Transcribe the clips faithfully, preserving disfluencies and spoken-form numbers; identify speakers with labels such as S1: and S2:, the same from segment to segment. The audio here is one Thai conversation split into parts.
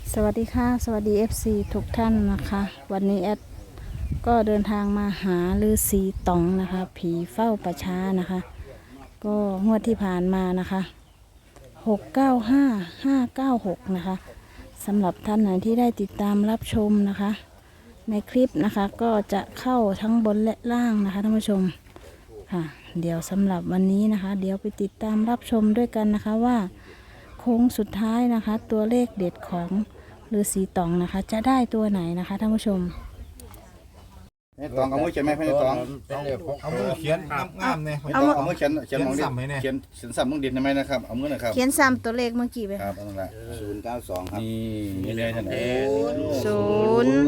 S1: สวัสดีค่ะสวัสดี เอฟ ซี ทุกท่านนะคะวันนี้แอดก็เดินทางมาหาฤาษีต๋องนะคะผีเฝ้าป่าช้านะคะ ก็งวดที่ผ่านมานะคะหกเก้าห้าห้าเก้าหกนะคะสำหรับท่านไหนที่ได้ติดตามรับชมนะคะในคลิปนะคะก็จะเข้าทั้งบนและล่างนะคะท่านผู้ชมค่ะเดี๋ยวสำหรับวันนี้นะคะเดี๋ยวไปติดตามรับชมด้วยกันนะคะว่าโค้งสุดท้ายนะคะตัวเลขเด็ดของฤาษีต๋องนะคะจะได้ตัวไหนนะคะท่านผู้ชม
S2: นี่ตองเอามือเขียนไหมพี่ตอง
S3: เอามือเขียนงามๆเนี่ย
S2: พี่ตองเอามือเขียนเขียนมองดิ
S3: เขียนซ้ำไหมเนี่ย
S2: เขียนเขียนซ้ำมองดินได้ไหมนะครับเอามือหน่อยครับ
S1: เขียนซ้ำตัวเลขเมื่อกี้ไป
S2: ครับนั่นแหละ
S4: ศูนย์เก้าสองครับ
S2: นี่นี่เลยท่านเอง
S1: ศูนย์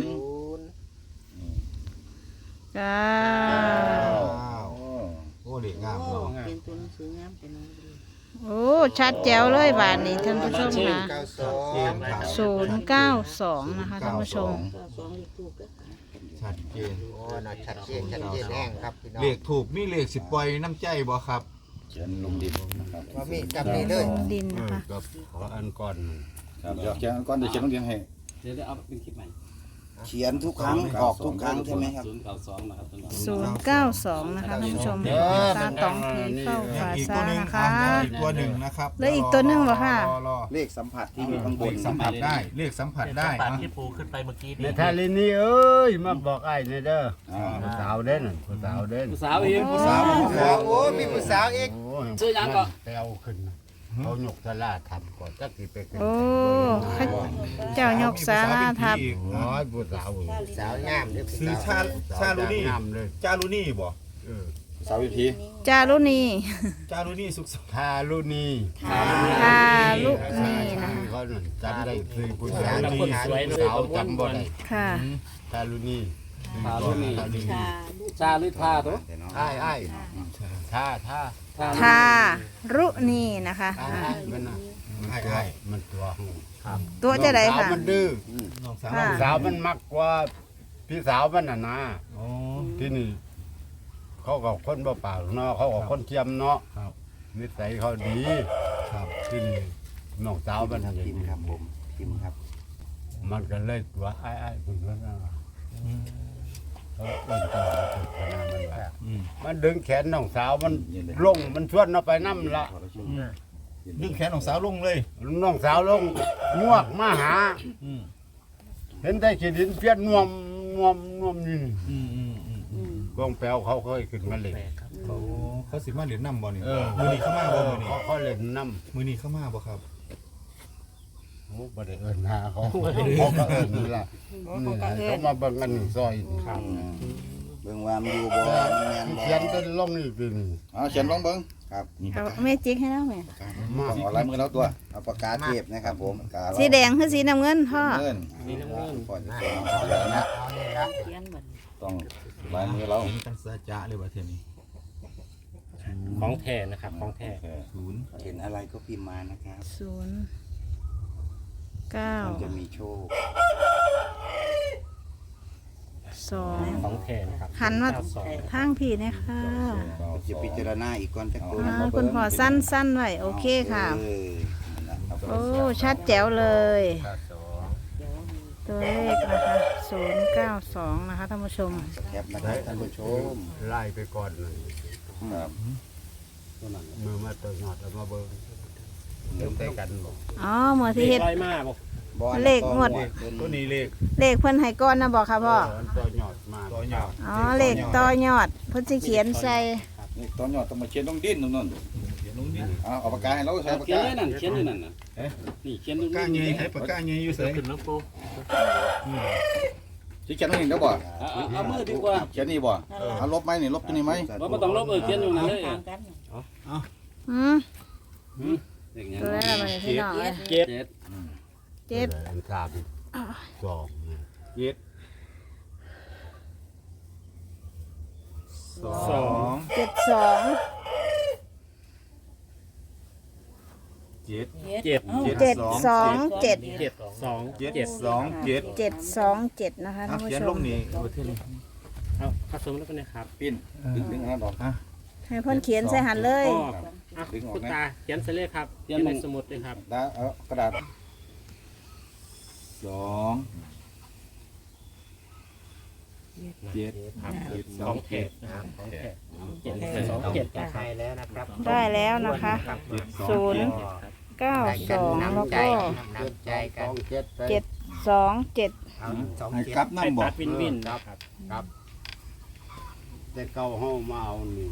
S1: เก้า
S2: โอ้
S3: โอ้เด็กงามเนาะ
S5: เป็นตัวหนังสืองามเป็น
S1: โอ้ชัดแจ๋วเลยบาทนี้ท่านผู้ชมนะ
S4: เก้าสอง
S3: เกมครับ
S1: ศูนย์เก้าสองนะคะท่านผู้ชม
S5: ก็สองเลขถูกก็
S3: ชัดเจน
S4: โอ้น่าชัดเจนชัดเจนแห้งครับพี่น้อง
S3: เลขถูกมีเลขสิบปล่อยน้ำใจบ่ครับ
S2: เขียนลงดินนะครับ
S4: ว่ามีกับนี่เลย
S1: ดินนะคะ
S3: ก็ขออันก่อน
S2: ครับเดี๋ยวเขียนก้อนเดี๋ยวเขียนลงดินให้
S6: เดี๋ยวได้เอาเป็นคลิปใหม่
S4: เขียนทุกครั้งออกทุกครั้งใช่ไหมครับ
S6: ศูนย์เก้าสองนะครับตลอด
S1: ศูนย์เก้าสองนะคะท่านผู้ชมตาตองผีเฝ้า
S3: ยัง
S1: ฝา
S3: อีก
S1: ซา
S3: ตัวหนึ่ง
S1: นะคะ
S3: อีกตัวหนึ่งนะครับ
S1: แล้วอีกตัวหนึ่งเหรอคะ
S3: รอ
S4: เลขสัมผัสที่อยู่ข้างบ
S3: เล
S4: น
S3: ขสัมผัสได้เลขสัมผัสได้
S6: ปาก
S3: นะ
S6: ที่ปูขึ้นไปเมื่อกี้
S7: ใน
S6: นี่
S7: ทาลินี่เอ้ยมาบอกไอ้เนี่ยเด้อ
S2: อ่า
S7: ผู้สาวเด่นผู้สาวเด่น
S6: ผู้สาวเอง
S3: ผู้สาว
S4: ผู้สาวโอ้มีผู้สาวอีก
S7: โอ้ย
S6: ชื่อยังก็
S7: ไปเอาขึ้นนะเขาหยกสลาทำก่อนจักสิไปขึ้น
S1: โอ้ข้าเจ้ายกสาราทับ
S7: โอ้ยผู้สาว
S4: สาวงามเลยผู้
S3: ซื้อ
S4: สาว
S3: ชาชาลูนี่
S7: งามเลย
S3: จารุนี่บ่
S7: เออ
S2: สาววิธี
S1: จารุณี
S3: จารุนี่สุขส
S7: ทาลุนี
S1: ทาลุณีนะคะ
S7: เขานั่นจำได้คือผู้สาว
S6: คนสวยเลย
S7: สาวจำบ่ได้
S1: ค่ะ
S7: ทาลุนี
S6: ทารุณี
S7: ทาลุนี
S6: ชาหรือทาตัว
S7: ไอ้ไอ้ท่าท่า
S1: ทารุณีนะคะ
S7: ไอ้
S1: อ่า
S7: มันน่ะ
S3: ไอ้ไอ้
S7: มันตัวหู
S1: ตัวจะได้
S7: น้องสาว
S1: ค่ะ
S7: มันดื้อ
S3: น้องสาว
S1: ค่ะ
S7: สาวมันมักกว่าพี่สาวมันน่ะนะ
S3: อ๋อ
S7: ที่นี่เขากับคนบ่เปล่าเนาะเขากับคนเทียมเนาะ
S3: ครับ
S7: นิสัยเขาดี
S3: ครับ
S7: ที่นี่น้องสาวมันทำอย่าง
S4: พิมพ์
S7: นี้
S4: ครับผมพิมพ์ครับ
S7: มันก็เลยตัวไอ้ไอ้ายคุณก็นะเขาเอิ้นตัวมันเป็นขนาดมันว่า
S3: อืม
S7: มันดึงแขนน้องสาวมันลงมันชวนเราไปน้ำละ
S3: ดึงแขนของสาวลงเลย
S7: น้องสาวลงงวกมาหา
S3: อืม
S7: เห็นได้ขีดินเพี้ยนนวมนวมนวมนี่
S3: อืมอืมอืมอืม
S7: กองแปลวเขาเคยขึ้นมาเล่น
S3: เขาเขาสิมาเหรียญนำบ่นี่
S7: เออ
S3: มือนี้เข้ามาบ่มือนี้
S7: เขาเขาเล่นน้
S3: มือนี้เข้ามาบ่ครับ
S7: ำโอ้บ่ได้เอิ้นหาเขาเขาก็เอิ้นนี่ล่ะนี่ล่ะเขามาเบิ่งกันนี่ซอยนี่ครับ
S4: เบิ่งว่ามันอยู่บ่แม่นบ่
S7: เขียนเป็นลงนี่เป็น
S2: อ่าเขียนลงเบิ้ง
S4: ครับ
S1: เอาเมจิกให้แล้วไหม
S7: มา
S2: ต้องเอาลายมือเราตัว
S4: เอาปากกาเทพนะครับผมปากกา
S1: สีแดงคือสีน้ำเงินพ่อ
S2: เงิน
S6: นี่น้ำเงิน
S4: ปล่อยจะเป็นเอาเลยนะ
S5: เขียนเหมือน
S2: ต้องลายมือเรา
S3: เห็นกันซะจะเลยว่าเทยนี้
S6: ของแท้นะครับของแท้
S3: ศูนย์
S4: เห็นอะไรก็พิมพ์มานะครับ
S1: ศูนย์เก้า
S4: มันจะมีโชค
S1: สอง
S6: ของแท้นะครับ
S1: หันมา
S6: เก้สอง
S1: ทางผีนะคะ
S4: จะพิจารณาอีกก่อนจะโกน
S1: อ่าคุณพ่อสั้นสั้นๆไว้โอเคค่ะ
S4: เออนั่นล่ะครับ
S1: โอ้ชัดแจ๋วเลย ตัวเลขนะคะศูนย์เก้าสองนะคะท่านผู้ชม
S4: แคปนะครับท่านผู้ชม
S7: ไล่ไปก่อนเลย
S2: ครับ
S7: มือมาตัวหยอดเอามาเบิ่งเริ่มได้กันบ่
S1: อ๋อเมื่อที่เฮ็ด
S6: ลอยมาบอก
S4: บอ
S1: เลขงวด
S3: ตัวนี้เลข
S1: เลขเพิ่นให้ก้อนนะบอกค่ะพ่อ
S7: ตัวหยอดมา
S3: ตัวหยาบ
S1: อ๋อเลขต่อยอดเพิ่นสิเขียนใส่
S2: นี่ตอนหยอดต้องมาเขียนลงดินนู่นนู่น
S3: เขียนลงดิ
S2: เอาเอาปากกาให้เราใช้ปาก
S6: เขียน
S2: กา
S6: ด้วยนั่นเขียนด้วยนั่นนะนี่เขียนด้วย
S3: ปากกาใหญ่ให้ปากกาใหญ่อยู่ไส
S6: ขึ้นน้ำปู
S2: ที่เขียนลงดินได้บ่
S6: เอาเอามือดีกว่า
S2: เขียนนี่บ่เอาลบไหมนี่ลบตัวนี้ไหม
S6: ว่าไม่ต้องลบเออเขียนอยู่นั่นเลย
S5: ต่างกัน
S1: อืม
S6: อย่างเงี้ย
S1: ตัวแรกมาเลยพี่น้องเอ้ย
S6: เจ็ด
S1: เจ็ด
S7: อันสามสองนะ
S3: เจ็ดสอง
S1: เจ็ดสอง
S3: เจ็ด
S6: เจ็ด
S1: เจ็ดสองเจ็ด
S6: เจ็ดสอง
S3: เจ็ดสองเจ็ด
S1: เจ็ดสองเจ็ดนะคะ
S3: เอา
S1: ท่านผู้
S3: เขียน
S1: ช
S3: ล
S1: ม
S3: งนี่โอ้เท่นี้
S6: เอาผสมแล้วกันนะครับ
S2: ปิ้นดึงดึงอันนั้นออก
S1: ให้เพิ่นเขียนใส่หันเลย
S6: อ๋ออ่ะคุณตาเขียนใส่เลขครับเขียนในสมุดเลยครับ
S2: ดาเอากระดาษ
S6: ส
S3: สองเจ็ด
S6: ครับ
S3: เจ็ดส
S6: ข
S3: อ
S6: อง งแท้นะครับของแท้เจ็ดสองเจ็ดนะครับ
S4: ให้แล้วนะครับ
S1: ได้แล้วนะคะ
S3: เจ็ดสอง
S1: ศูนย์เก้าสองแล้วก็
S4: น้ำใจกั
S7: ส
S4: น
S7: องเจ็ด
S1: เจ็ดสองเจ็ด
S4: เอาสอง
S3: ให้
S4: เจ็ด
S3: กลับ
S6: ให้
S3: น้ำบ่
S6: ตัดวินวินครับ
S7: ครับแต่เก้าห้องมาเอานี่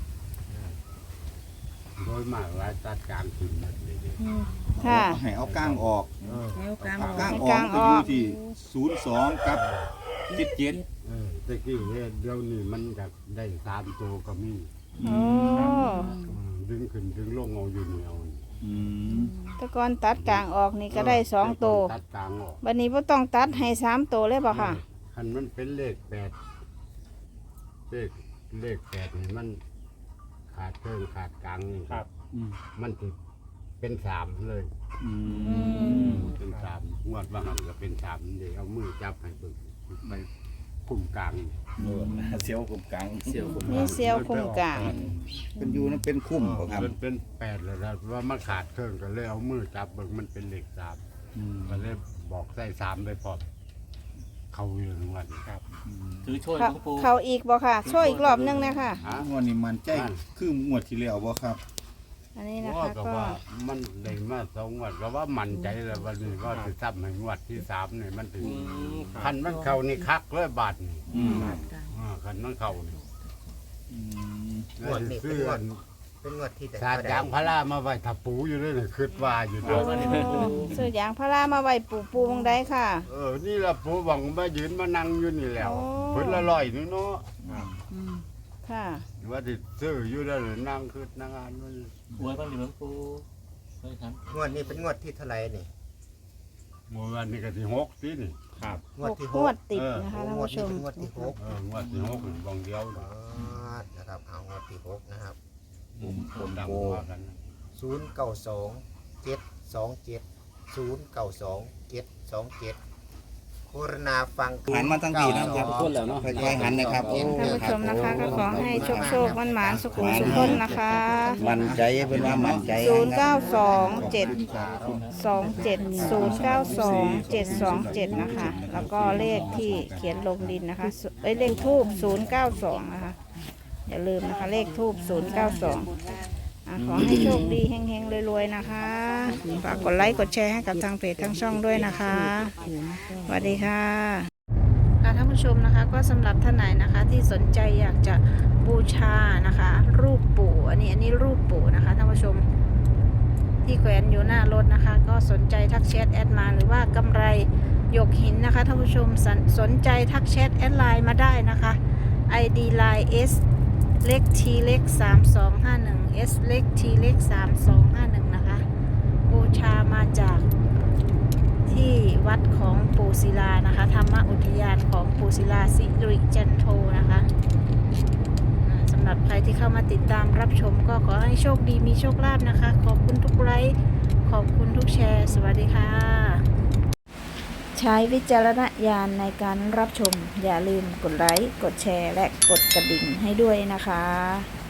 S7: โดยมากหลายตัดกลางคืนหมดเลยเด้
S1: ค่ะ
S3: ให้เอาก้างออก
S5: แล้วกลาง
S3: เอา
S5: ออก
S3: ก้างอ
S1: ก
S3: อก
S1: ลาง
S3: ก็
S1: อ
S3: อ
S1: อก
S3: ยู่ที่ศูนย์สองกับเจ็ดเจ็ด
S7: เออตะกี้เนี่ยเดี๋ยวนี้มันจะได้สามตัวก็มี
S1: โอ้
S7: อืมดึงขึ้นดึงลงเอาอยู่เหนียว
S3: อืม
S1: แตะกอนตัดกลางออกนี่ก็ได้สองตัว
S7: ตัดกลางออก
S1: วันนี้พ่ต้องตัดให้สามตัวเลยเปล่าค่ะ
S7: คันมันเป็นเลขแปดเลขเลขแปดนี่มันขาดเพิ่มขาดกลางนี่
S6: ครับ
S3: อืม
S7: มันจะเป็นสามเลย
S3: อื
S1: อื
S3: ม
S1: ม
S7: เป็นสามงวดว่ามันก็เป็นสามเดี๋ยวเอามือจับให้เบิ่งไปคุมกลาง
S2: เสียวกลุ่มกลางเสียวกลุ่ม
S1: นี่เซียวคุมกลาง
S2: เป็นยูนั่นเป็นคุ้มบ่ครับ
S7: มันเป็นแปดเลยนะว่ามันขาดเครื่องก็เลยเอามือจับเบิ่งมันเป็นเลขสาม
S3: อืม
S7: ก็เลยบอกใส่สามไปพร้อมเขาอยู่ทั้งวัน
S6: ครับถือช่วยห
S1: เขา
S6: ลวงปู่
S1: เขาอีกบ่ค่ะ ช่วยอีกรอบนึงนะคะ
S7: ฮะ
S3: งวดนี้มันใจคืองวดที่แล้วบ่ครับ
S1: อันนี้นะ
S7: ว่า
S1: คะ
S7: ก็
S1: ก็
S7: ว่ามันได้มาสองงวดก็ว่ามั่นใจแล้ววันนี้ว่าจะซ้ำให้งวดที่สามนี่มันถึง
S6: อืมค
S7: คั
S6: รับ
S7: นมันเข้านี่คักเลยบาทนี่
S3: อืม
S7: อ่าคันมันเข้านี่
S3: อืม
S4: งวดนี้เป็นงวดเป็นงวดที่
S7: สาดยางพารามาไว้ทับปูอยู่เลยนี่คิดว่าอยู่นะ
S1: ซื้อยางพารามาไว้ปูปูมงได้ค่ะ
S7: เออนี่ละปูหวังมายืนมานั่งอยู่นี่แล้ว
S1: โอ้
S7: เพิ่นละลอยนี่เนาะ
S1: ค่ะ
S7: ว่าติซื้ออยู่แล้วเลยนั่งคือนั่งอ่านมัน
S6: อวยบ้างดิหลวงปู่เคยท
S4: งวดนี้เป็นงวดที่เท่าไหร่นี่
S7: เมื่อวันนี้ก็ที่หกสินี่
S6: ำครับ
S4: งวด
S1: หก
S4: ที่
S1: ง
S4: ห
S1: ว
S4: ก
S1: ดติดนะคะท่าน
S4: งวด
S1: ผู้ช
S4: นี้
S1: ม
S4: เป็นงวดที่หก
S7: เอองวดที่หกนี่บางเดียว
S4: อ๋อนะครับเอางวดที่หกนะครับ
S7: ผมดำว่ากันนะ
S4: ศูนย์เก้าสองเจ็ดสองเจ็ดศูนย์เก้าสองเจ็ดสองเจ็ดโฆษณาฟัง
S2: หันมาทั้งทีนะครับค่อยๆหันนะครับโอ้
S1: ท่านผู้ชมนะคะก็ขอให้โชคโชคมันหมานสุขุมสุขคนนะคะ
S2: มั่นใจเป็นว่ามั่นใจ
S1: ศูนย์เก้าสองเจ็ดสองเจ็ดศูนย์เก้าสองเจ็ดสองเจ็ดนะคะ แล้วก็เลขที่เขียนลงดินนะคะเอ้ยเลขทูบศูนย์เก้าสองนะคะอย่าลืมนะคะเลขทูบศูนย์เก้าสองอ่ะขอให้โชคดีเฮงๆรวยๆนะคะฝากกดไลค์กดแชร์ให้กับทางเพจทางช่องด้วยนะคะสวัสดีค่ะค่ะท่านผู้ชมนะคะก็สำหรับท่านไหนนะคะที่สนใจอยากจะบูชานะคะ รูปปู่อันนี้อันนี้รูปปู่นะคะท่านผู้ชมที่แขวนอยู่หน้ารถนะคะ ก็สนใจทักแชทแอดมาหรือว่ากำไรหยกหินนะคะท่านผู้ชมสนสนใจทักแชทแอดไลน์มาได้นะคะ ไอ ดี ไลน์ S เล็ก T เล็กสามสองห้าหนึ่ง S เล็ก T เล็กสามสองห้าหนึ่งนะคะบูชามาจากที่วัดของปูศิลานะคะธรรมอุทยานของปูศิลาสิริจันโทนะคะอ่าสำหรับใครที่เข้ามาติดตามรับชมก็ขอให้โชคดีมีโชคลาภนะคะ ขอบคุณทุกไลค์ขอบคุณทุกแชร์ สวัสดีค่ะ ใช้วิจารณญาณในการรับชม อย่าลืมกดไลค์ กดแชร์ และกดกระดิ่งให้ด้วยนะคะ